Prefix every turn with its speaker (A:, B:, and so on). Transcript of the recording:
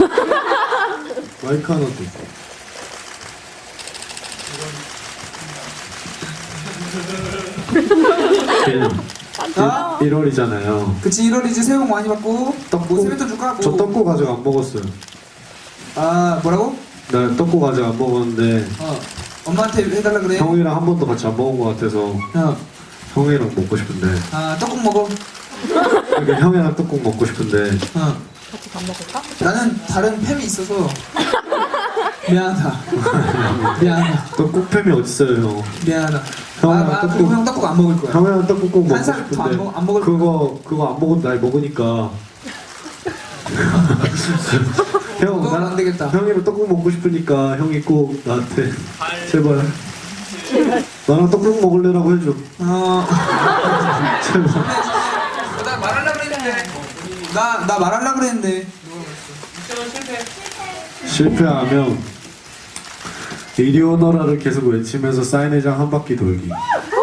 A: 마이크 하나 더.
B: 아?
A: 1월이잖아요.
B: 그치 1월이지 새해 복 많이 받고 뭐 세뱃돈 줄까?
A: 저 떡국 아직 안 먹었어요.
B: 아 뭐라고?
A: 나 떡국 아직 안 먹었는데
B: 엄마한테 해달라 그래.
A: 형이랑 한 번도 같이 안 먹은 것 같아서 형이랑 먹고 싶은데.
B: 아 떡국 먹어.
A: 그러니까 형이랑 떡국 먹고 싶은데.
C: 같이 밥 먹을까?
B: 나는 다른 팸이 있어서 미안하다. 미안하다.
A: 떡국 팸이 어딨어요 형?
B: 미안하다.
A: 형이랑
B: 그리고 형 떡국 안 먹을 거야.
A: 형이랑 떡국 꼭 먹고
B: 한 살 더
A: 싶은데
B: 안 먹을
A: 그거 안 먹어도 날 먹으니까. 형,
B: 너는 안 되겠다.
A: 형이랑 떡국 먹고 싶으니까 형이 꼭 나한테 제발 나랑 떡국 먹을래라고 해줘. 제발.
B: 나 말하려고 그랬는데. 나 말하려고 그랬는데.
A: 실패하면 이리 오너라를 계속 외치면서 사인회장 한 바퀴 돌기.